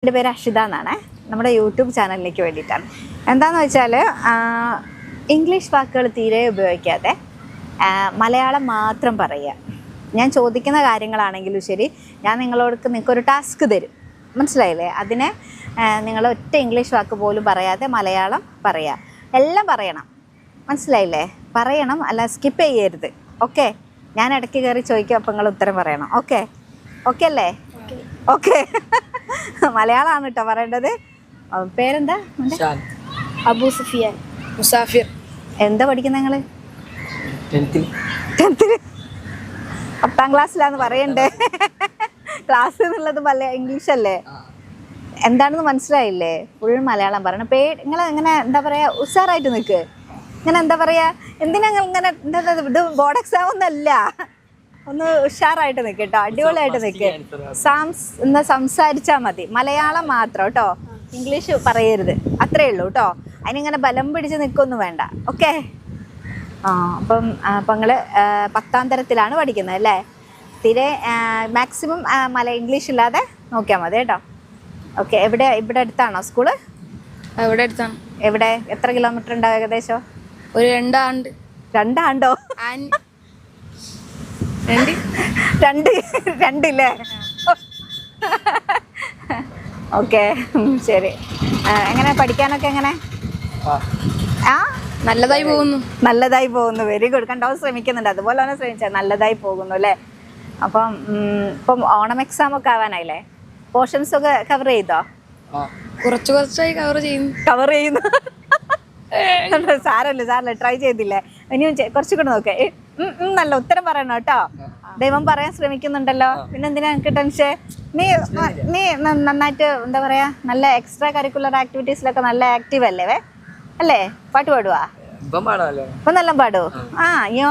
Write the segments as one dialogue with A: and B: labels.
A: എൻ്റെ പേര് അക്ഷിത എന്നാണ്. നമ്മുടെ യൂട്യൂബ് ചാനലിലേക്ക് വേണ്ടിയിട്ടാണ്. എന്താണെന്ന് വെച്ചാൽ ഇംഗ്ലീഷ് വാക്കുകൾ തീരെ ഉപയോഗിക്കാതെ മലയാളം മാത്രം പറയുക. ഞാൻ ചോദിക്കുന്ന കാര്യങ്ങളാണെങ്കിലും ശരി, ഞാൻ നിങ്ങൾക്കൊരു ടാസ്ക് തരും, മനസ്സിലായില്ലേ? അതിനെ നിങ്ങൾ ഒറ്റ ഇംഗ്ലീഷ് വാക്ക് പോലും പറയാതെ മലയാളം പറയുക. എല്ലാം പറയണം, മനസ്സിലായില്ലേ? പറയണം, അല്ല സ്കിപ്പ് ചെയ്യരുത്. ഓക്കെ? ഞാൻ ഇടയ്ക്ക് കയറി ചോദിക്കും, അപ്പം നിങ്ങൾ ഉത്തരം പറയണം. ഓക്കെ? ഓക്കെ അല്ലേ? ഓക്കെ. മലയാളമാണ് കേട്ടോ പറയേണ്ടത്. പേരെന്താ?
B: അബു സുഫിയാൻ. മുസാഫിർ.
A: എന്താ പഠിക്കുന്നത് നിങ്ങൾ? 10th. 10ാം ക്ലാസ്സിലാന്ന് പറയണ്ടേ? ക്ലാസ് എന്നുള്ളത് ഇംഗ്ലീഷ് അല്ലേ? എന്താണെന്ന് മനസ്സിലായില്ലേ? ഫുൾ മലയാളം പറയണം. നിങ്ങൾ ഇങ്ങനെ എന്താ പറയുക, ഉഷാറായിട്ട് നിൽക്ക്. ഇങ്ങനെ എന്താ പറയുക, എന്തിനാ ഇങ്ങനെ ഇത് ബോർഡ് എക്സാം ഒന്നല്ല, ഒന്ന് ഉഷാറായിട്ട് നിൽക്ക് കേട്ടോ, അടിപൊളിയായിട്ട് നിൽക്ക്. എന്താ സംസാരിച്ചാൽ മതി, മലയാളം മാത്രം കേട്ടോ, ഇംഗ്ലീഷ് പറയരുത്, അത്രയേ ഉള്ളൂ കേട്ടോ. അതിനിങ്ങനെ ബലം പിടിച്ച് നിൽക്കൊന്നും വേണ്ട. ഓക്കെ? അപ്പം നിങ്ങൾ 10ാം തരത്തിലാണ് പഠിക്കുന്നത് അല്ലേ? തീരെ മാക്സിമം ഇംഗ്ലീഷ് ഇല്ലാതെ നോക്കിയാൽ മതി കേട്ടോ. ഓക്കെ. ഇവിടെ അടുത്താണോ സ്കൂള്?
B: ഇവിടെ അടുത്താണ്.
A: എവിടെ? എത്ര കിലോമീറ്റർ ഉണ്ടാവും ഏകദേശം?
B: ഒരു 2 ആണ്ട്.
A: 2 ആണ്ടോ? 2 ഇല്ലേ? ഓക്കെ, ശരി. എങ്ങനെ പഠിക്കാനൊക്കെ എങ്ങനെ?
B: നല്ലതായി
A: പോകുന്നു. Very good. കണ്ടോ, ശ്രമിക്കുന്നുണ്ട്. അതുപോലെ തന്നെ ശ്രമിച്ചാൽ നല്ലതായി പോകുന്നു അല്ലേ? അപ്പം ഇപ്പം ഓണം എക്സാം ഒക്കെ ആവാനായില്ലേ? പോർഷൻസ് ഒക്കെ കവർ ചെയ്തോ?
B: കുറച്ചായി കവർ ചെയ്യുന്നു.
A: സാരല്ല, ട്രൈ ചെയ്തില്ലേ? ഇനിയും കുറച്ചുകൂടെ നോക്കേ. നല്ല ഉത്തരം പറയണം കേട്ടോ. ദൈവം പറയാൻ ശ്രമിക്കുന്നുണ്ടല്ലോ, പിന്നെ എന്തിനാ എനിക്ക് ടെൻഷൻ? നീ നന്നായിട്ട് എന്താ പറയാ, നല്ല എക്സ്ട്രാ കരിക്കുലർ ആക്ടിവിറ്റീസിലൊക്കെ നല്ല ആക്റ്റീവ് അല്ലേ? അല്ലേ? പാട്ട് പാടുവാ? ഇപ്പൊ നല്ല പാടൂ. അയ്യോ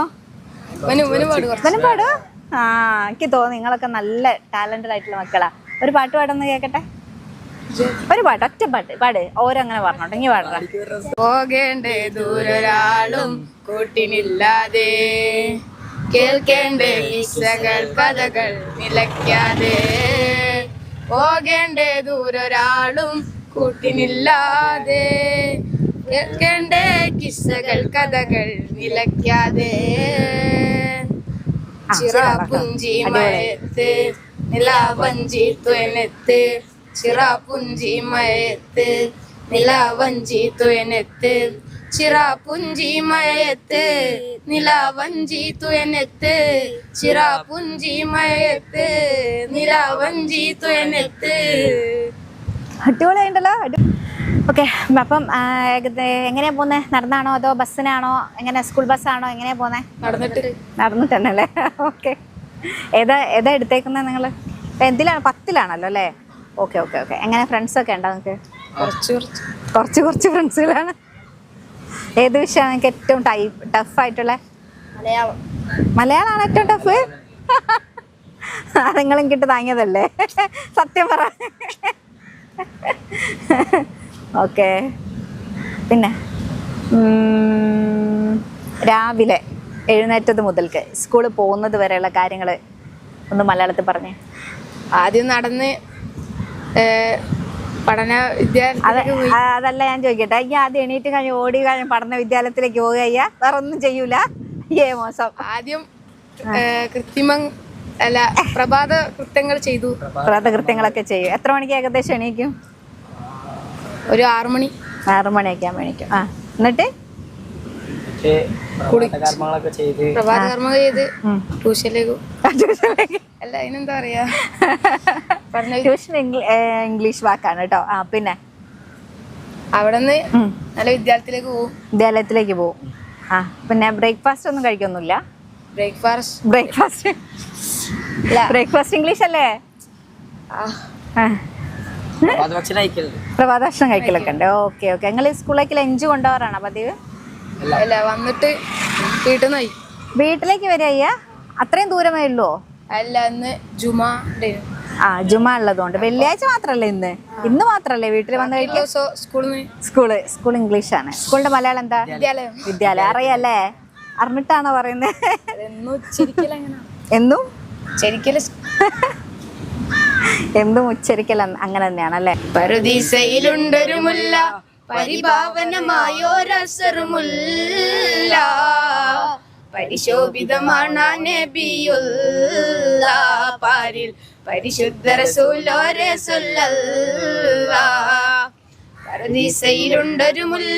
A: പാടൂ. എനിക്ക് തോന്നുന്നു നിങ്ങളൊക്കെ നല്ല ടാലന്റഡ് ആയിട്ടുള്ള മക്കളാ. ഒരു പാട്ട് പാടുന്ന കേക്കട്ടെ. ഒരു പാട്ട്, ഒറ്റ പാട്. ഓരങ്ങനെ പറഞ്ഞോട്ടെ, ഇനി പാടണം.
B: പോകേണ്ടേ ദൂരൊരാളും കൂട്ടിനില്ലാതെ, കേൾക്കേണ്ടേ കിസ്സകൾ കഥകൾ നിലയ്ക്കാതെ. പോകേണ്ടേ ദൂരൊരാളും കൂട്ടിനില്ലാതെ, കേൾക്കേണ്ടേ കിസ്സകൾ കഥകൾ നിലയ്ക്കാതെ. ചിറാപുഞ്ചി മയത്ത് നിലാവഞ്ചി തുയനത്ത്, ചിറാപുഞ്ചി മയത്ത് നിലാവഞ്ചി തുയനത്ത്, ചിറാപുഞ്ചി മയത്ത് നിലാവഞ്ചി തുയനത്ത്, ചിറാപുഞ്ചി മയത്ത് നിലാവഞ്ചി തുയനത്ത്.
A: അടിപൊളിയായിട്ടല്ലോ. ഓക്കെ. അപ്പം എങ്ങനെയാ പോന്നെ? നടന്നാണോ അതോ ബസ്സിനാണോ? എങ്ങനെ, സ്കൂൾ ബസ്സാണോ? എങ്ങനെയാ പോന്നെ? നടന്നിട്ടല്ലേ? ഓക്കെ. ഏതാ എടുത്തേക്കുന്നത് നിങ്ങൾ? എന്തിലാണ്? 10ലാണല്ലോ അല്ലേ? ഓക്കെ. എങ്ങനെ, ഫ്രണ്ട്സൊക്കെ ഉണ്ടോ നിങ്ങൾക്ക്? കുറച്ച് ഫ്രണ്ട്സുകളാണ്. ഏത് വിഷയമാണ് നിങ്ങൾക്ക് ഏറ്റവും ടഫായിട്ടുള്ള? മലയാളമാണ് ഏറ്റവും ടഫ്. നിങ്ങളും കിട്ടി താങ്ങിയതല്ലേ? സത്യം പറ. ഓക്കെ. പിന്നെ രാവിലെ എഴുന്നേറ്റത് മുതൽക്ക് സ്കൂളിൽ പോകുന്നത് വരെയുള്ള കാര്യങ്ങൾ ഒന്ന് മലയാളത്തിൽ പറഞ്ഞേ.
B: ആദ്യം നടന്ന് പഠന വിദ്യാലയത്തിലേക്ക്.
A: അതല്ല ഞാൻ ചോദിക്കട്ടെ, ഈ ആദ്യം എണീറ്റ് കഴിഞ്ഞ് ഓടി കഴിഞ്ഞ് പഠന വിദ്യാലയത്തിലേക്ക് പോവുക, വേറെ ഒന്നും ചെയ്യൂല? മോശം.
B: ആദ്യം പ്രഭാത കൃത്യങ്ങളൊക്കെ ചെയ്യും. എത്ര മണിക്ക് ഏകദേശം എണീക്കും? ഒരു 6 മണിയൊക്കെ ആകുമ്പോൾ എണീക്കും. എന്നിട്ട് പ്രഭാത കർമ്മങ്ങൾ ചെയ്ത് ട്യൂഷനിലേക്ക്. അല്ല, അതിനെന്താ പറയാ, ട്യൂഷൻ ഇംഗ്ലീഷ് വാക്കാണ് കേട്ടോ. പിന്നെ അവിടെ നിന്ന് നല്ല വിദ്യാലയത്തിലേക്ക് പോകും.
A: പിന്നെ ബ്രേക്ക്ഫാസ്റ്റ് ഒന്നും കഴിക്കൊന്നുമില്ല? ബ്രേക്ക്ഫാസ്റ്റ് ഇംഗ്ലീഷ് അല്ലേ? പ്രഭാത ഭക്ഷണം കഴിക്കലൊക്കെ ഉണ്ട്. ഓക്കെ. നിങ്ങൾ സ്കൂളിലേക്ക് ലഞ്ച് കൊണ്ടുപോകാറാണോ പതിവ്?
B: വന്നിട്ട് വീട്ടിലേക്ക്
A: വരിക? അത്രയും ദൂരമേ ഉള്ളൂ?
B: അല്ല, ഇന്ന്
A: ജുമ ഉള്ളതുകൊണ്ട്. വെള്ളിയാഴ്ച മാത്രല്ലേ ഇന്ന് മാത്രല്ലേ വീട്ടിൽ വന്ന് കഴിക്കും? സ്കൂൾ ഇംഗ്ലീഷാണ്. സ്കൂളിന്റെ മലയാളം എന്താ? വിദ്യാലയം. അറിയാല്ലേ? അറിഞ്ഞിട്ടാണോ പറയുന്നത്? എന്നും എന്തും ഉച്ചരിക്കൽ അങ്ങനെ തന്നെയാണല്ലേ.
B: പറുദീസയിലുണ്ടൊരു മുല്ല പരിഭാവനമായോരസറുമുല്ല പരിശോഭിതമാണ് നബിയുള്ള പാരിൽ പരിശുദ്ധ റസൂലോരെ സ്വല്ലല്ലാഹ്. പറുദീസയിലുണ്ടൊരു മുല്ല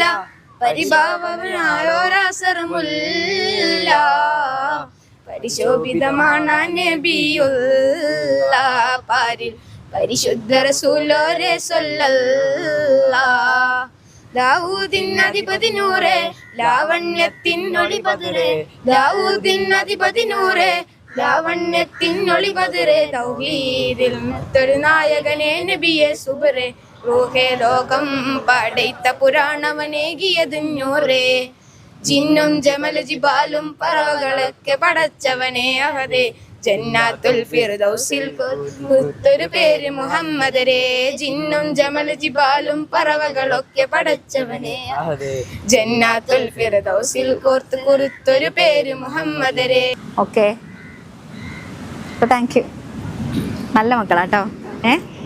B: പരിഭാവനമായോരസറുമുല്ല പരിശോഭിതമാണ് നബിയുള്ള പാരിൽ പരിശുദ്ധ റസൂലോരെ സ്വല്ലല്ലാഹ്. ദാവൂദിൻ അധിപതി നൂറേ ലാവണ്യത്തിനൊളി ബദറേ ദാവൂദിൻ അധിപതി നൂറേ ലാവണ്യത്തിനൊളി ബദറേ തൗഹീദിൽ മറ്റൊരു നായകനെ നബിയെ സുബറേ റൂഹേ ലോകം പടൈത്ത പുരാണവനേകിയതിഞ്ഞൂറേ ജിന്നും ജമൽ ജിബാലും പറവകളൊക്കെ പടച്ചവനെ അഹദേ ജന്നാത്തുൽ ഫിർദൗസിൽ കുത്തൊരു പേര് മുഹമ്മദരേ ജിന്നും ജമൽ ജിബാലും പറവകളൊക്കെ പടച്ചവനെ ജന്നാത്തുൽ ഫിർദൗസിൽ കോർത്ത് കുറുത്തൊരു പേര് മുഹമ്മദരേ.
A: Okay, thank you. നല്ല മക്കളാട്ടോ.